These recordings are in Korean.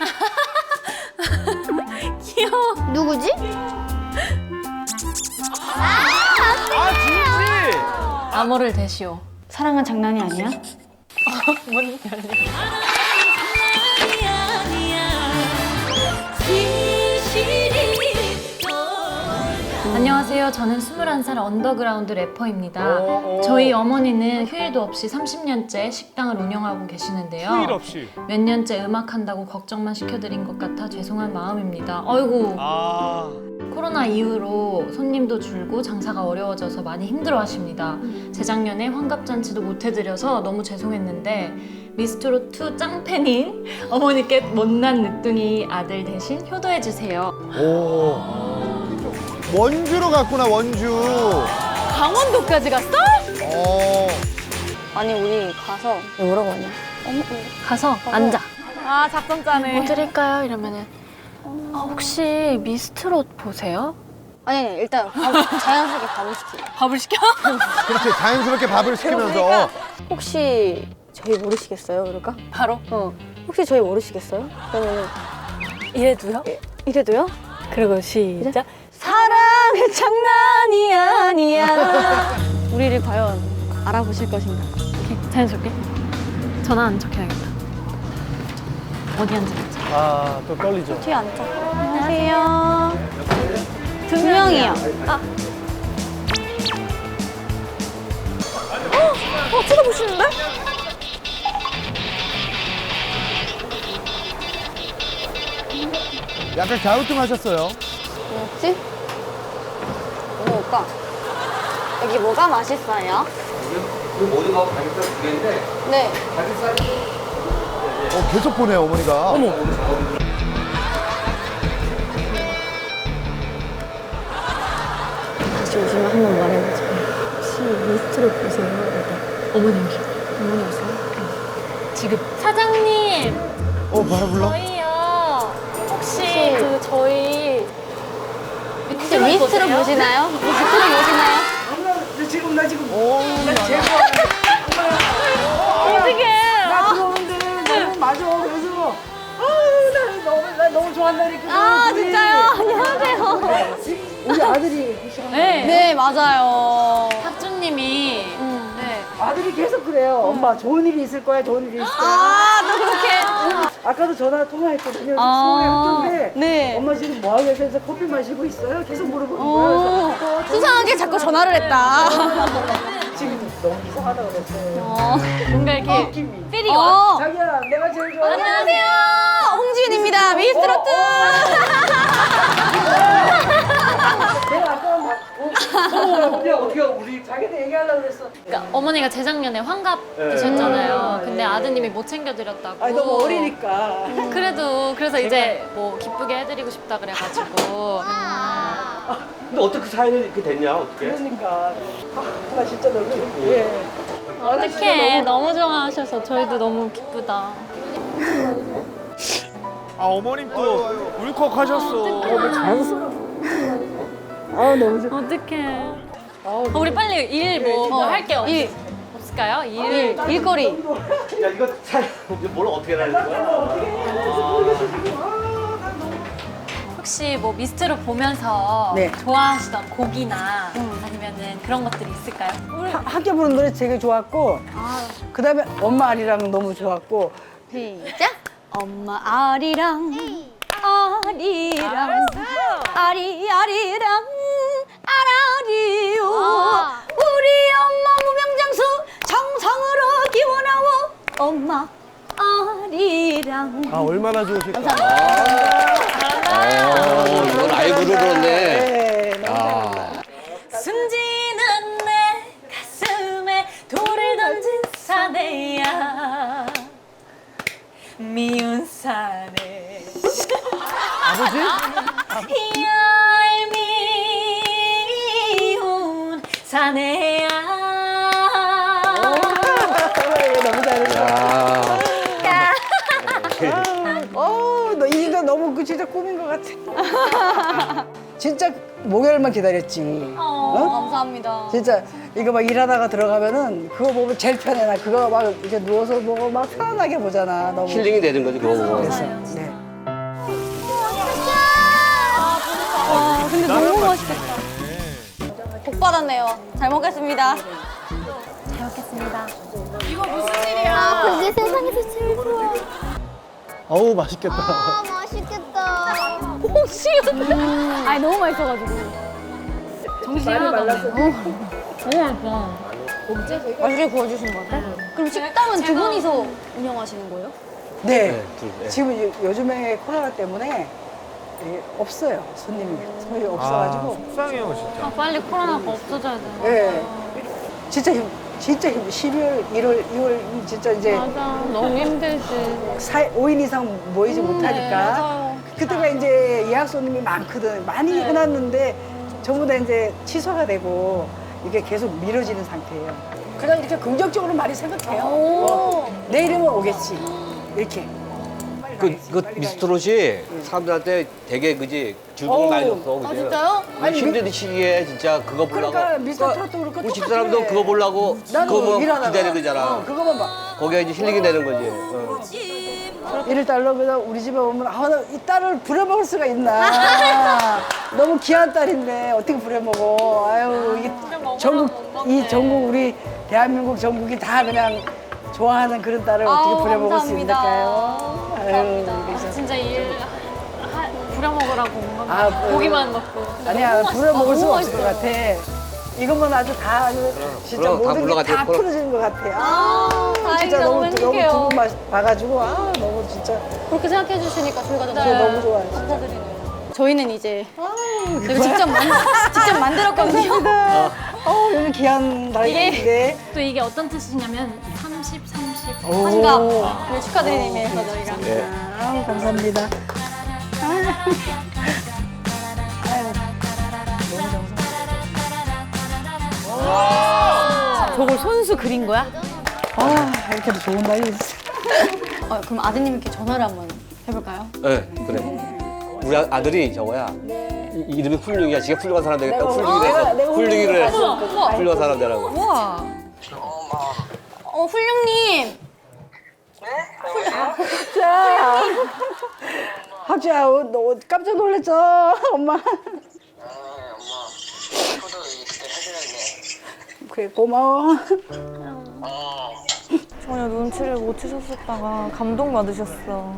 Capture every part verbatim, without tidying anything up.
귀여워. 누구지? 아 진지. 암호를 대시오. 사랑은 장난이 아니야? 문 열리. 안녕하세요. 저는 스물한 살 언더그라운드 래퍼입니다. 오, 오. 저희 어머니는 휴일도 없이 삼십 년째 식당을 운영하고 계시는데요. 휴일 없이. 몇 년째 음악한다고 걱정만 시켜드린 것 같아 죄송한 마음입니다. 어이구. 아. 코로나 이후로 손님도 줄고 장사가 어려워져서 많이 힘들어하십니다. 재작년에 환갑잔치도 못 해드려서 너무 죄송했는데 미스트롯 투 짱팬인 어머니께 못난 늦둥이 아들 대신 효도해주세요. 오. 원주로 갔구나, 원주. 강원도까지 갔어? 어. 아니 우리 가서 뭐라고 하냐? 가서 앉아. 아 작전 짜네. 뭐 드릴까요? 이러면은 아, 혹시 미스트롯 보세요? 아니 아니 일단 밥, 자연스럽게 밥을 시키고. 밥을 시켜? 그렇지, 자연스럽게 밥을 시키면서. 그러니까 혹시 저희 모르시겠어요? 그럴까? 바로? 어. 혹시 저희 모르시겠어요? 그러면은 이래도요? 이래도요? 그리고 시작. 사랑은 장난이 아니야. 우리를 과연 알아보실 것인가? 오케이, 자연스럽게. 전화 안 척해야겠다. 어디 앉을지. 아, 또 떨리죠. 뒤에 앉자. 안녕하세요. 두 명이요. 아. 어? 어, 쳐다보시는데? 약간 갸우뚱하셨어요. 뭐였지? 뭐 먹을까? 여기 뭐가 맛있어요? 그 모두가 가격대 두 개인데 네. 가격살 어, 계속 보네요, 어머니가. 어머. 다시 오시면 한번 말해보자. 혹시 미스트롯 보세요? 어머니 오시. 어머니 오세요? 지금. 사장님! 어, 바로 불러? 저희요. 혹시 혹시- 그 저희 혹시 미스트롯 보시나요? 미스트롯 보시나요? 나 지금 나 지금 오. 어떻게? 나 들어오는데 너무 맞아. 그래서 아우 나 너무 나 너무 좋아한다니까. 아 우리- 진짜요? 안녕하세요. 우리 아들이 네. 네 맞아요. 학주님이 음. 네. 아들이 계속 그래요. 엄마 좋은 일이 있을 거야. 좋은 일이 있을 거야. 아또 그렇게. 아까도 전화 통화했거든요. 아, 통화했던데 네. 엄마 지금 뭐 하고 계세요? 커피 마시고 있어요? 계속 물어보는 어, 거예요. 그래서 수상하게 자꾸 전화를 했다. 지금 너무 이상하다 그랬어요. 어. 뭔가 이렇게 느낌이. 필이 와. 어. 자기야 내가 제일 좋아해. 안녕하세요. 홍지윤입니다. 미스트롯. 내가 아까 막 어, 어디야 어디야 우리 자기한테 얘기하려고 그랬어. 그러니까 어머니가 재작년에 환갑이셨잖아요. 근데 아드님이 못 챙겨드렸다고. 아니 너무 어리니까. 그래도 그래서 이제 뭐 기쁘게 해드리고 싶다 그래가지고. 근데 어떻게 그 사연이 이렇게 됐냐 어떻게? 그러니까 아, 나 진짜 너무 예. 어떡해. 너무 좋아하셔서 저희도 너무 기쁘다. 아 어머님 또 울컥하셨어. 아 너무 좋아. 어떡해. 어, 우리 빨리 일 뭐 뭐 할게요. 일. 없을까요? 일. 일, 일거리. 야 이거 사연 이거 뭘 어떻게 해야 되는 거야? 혹시 뭐 미스트롯 보면서 네. 좋아하시던 곡이나 아니면은 그런 것들이 있을까요? 하- 학교 부른 노래 되게 좋았고 그다음에 엄마 아리랑 너무 좋았고 시작. 엄마 아리랑 아리랑 아리 아리랑 아라리요. 우리 엄마 무병장수 정성으로 기원하오. 엄마 아리랑. 아, 얼마나 좋으실까. 어, 이거 라이브로 그렇네. 네, 너무 아. 숨지는 내 가슴에 돌을 던진 사내야 미운 사내 아버지? 얄미운 사내야 너무 잘했어. 야. 어, 너 이거 너무 그 진짜 꿈인 것 같아. 진짜 목요일만 기다렸지. 어? 감사합니다. 진짜 이거 막 일하다가 들어가면은 그거 보면 제일 편해. 나 그거 막 이렇게 누워서 보고 막 편안하게 보잖아. 너무. 힐링이 되는 거지 그거 보고. 그래서 네. 근데 너무 맛있겠다. 복 받았네요. 잘 먹겠습니다. 잘 먹겠습니다. 이거 무슨 일이야? 아, 그게 세상에서 제일 좋아. 어우, 맛있겠다. 아, 맛있겠다. 혹시? 음. 아니, 너무 맛있어가지고. 정신이 하나도 없네. 너무 맛있어. 맛있게 구워주시는 것 같아요. 그럼 식당은 두 분이서 운영하시는 거예요? 네. 네, 둘, 네. 지금 요- 요즘에 코로나 때문에 예, 없어요. 손님이. 손님이 없어가지고. 속상해요 진짜. 아, 빨리 코로나가 없어져야 돼. 예. 진짜 힘, 진짜 힘. 십이월, 일월, 이월 진짜 이제 맞아. 너무 힘들지. 오 인 이상 모이지 못하니까. 맞아요. 그때가 이제 예약 손님이 많거든. 많이 해놨는데 전부 다 이제 취소가 되고 이게 계속 미뤄지는 상태예요. 그냥 이렇게 긍정적으로 많이 생각해요. 어, 내일이면 오겠지. 이렇게. 그, 그 미스트롯이 사람들한테 되게 그지 즐거움을 많이 줬어. 그지? 아, 진짜요? 아니, 힘든 시기에 진짜 그거 보려고. 그러니까 미스터 트롯도 그렇고 우리 똑같아. 집사람도 그거 보려고 나도 그거 일하다가 기다리는 거잖아. 어, 그거만 봐. 거기가 이제 힐링이 되는 거지. 어. 일일 달러 그냥 우리 집에 오면 아, 나 이 딸을 부려먹을 수가 있나. 너무 귀한 딸인데 어떻게 부려먹어. 아유, 이게 전국, 이 전국 우리 대한민국 전국이 다 그냥 좋아하는 그런 딸을 아우, 어떻게 부려먹을 수 감사합니다. 있을까요? 아유, 그래서. 진짜 일 하, 부려먹으라고 온 건가? 아, 뭐. 고기만 먹고. 아니야, 부려먹을 수가 너무 없을 것 같아. 이것만 아주 다 아주 진짜 그럼 다 모든 게 물러가죠. 다 그럼. 풀어지는 것 같아. 아, 아, 진짜 다행이다. 너무, 너무 너무 행복해요. 두분 맛- 봐가지고, 아, 너무 진짜. 그렇게 생각해 주시니까 저희가 더 저 너무 좋아요. 감사드리네요. 저희는 이제 내가 직접 만 직접 만들었거든요. 어, 여기 귀한 날인데. 또 이게 어떤 뜻이냐면 삼십, 삼십. 환갑 네, 축하드리는 의미에서 저희가. 예. 아우, 감사합니다. 저걸 손수 그린 거야? 아, 이렇게도 좋은 날이 있어. 어, 그럼 아드님께 전화를 한번 해볼까요? 네, 그래. 우리 아- 아들이 저거야. 이- 이름이 훌륭이야. 지가 훌륭한 사람 되겠다. 훌륭이 내가- 내가 돼서 훌륭이를 훌륭한 해서 사람 되겠다. 훌륭한 사람 되라고. 우와. 어, 훌륭님. 자, 학주야, 어, 너 깜짝 놀랐죠? 엄마. 그래, 고마워. 전혀 눈치를 못 채셨었다가 감동받으셨어.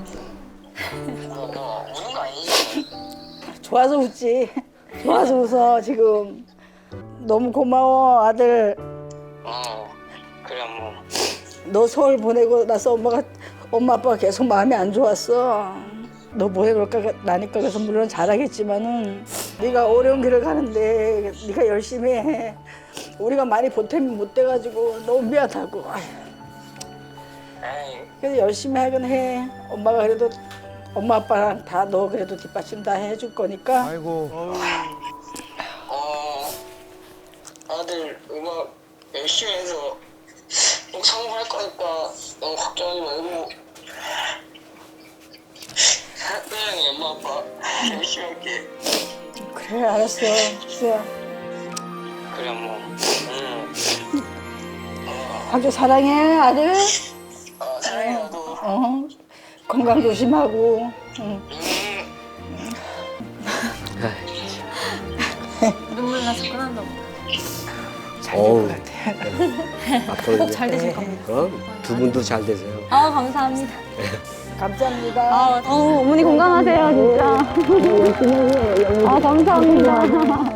좋아서 웃지. 좋아서 웃어, 지금. 너무 고마워, 아들. 어, 그래 뭐. 너 서울 보내고 나서 엄마가, 엄마 아빠가 계속 마음이 안 좋았어. 너 보내볼까 나니까 그래서 물론 잘하겠지만은 네가 어려운 길을 가는데 네가 열심히 해. 우리가 많이 보탬이 못 돼가지고 너무 미안하고. 아휴. 에이, 그래서 열심히 하긴 해. 엄마가 그래도 엄마 아빠랑 다 너 그래도 뒷받침 다 해줄 거니까. 아이고. 어, 아들 음악 열심히 해서 꼭 성공할 거니까 너무 걱정하지 말고 사랑해 엄마 아빠 열심히 할게. 그래, 알았어. 수야. 그래 뭐. 응. 아주 사랑해, 아들. 어, 사랑해 너도. 어. 건강 조심하고. 응. 눈물 나서 끝난다. 어우. 같아. 앞으로 잘 되실 겁니다. 어? 두 분도 잘 되세요. 아, 감사합니다. 감사합니다. 아, 어머니 건강하세요, 진짜. 아, 감사합니다.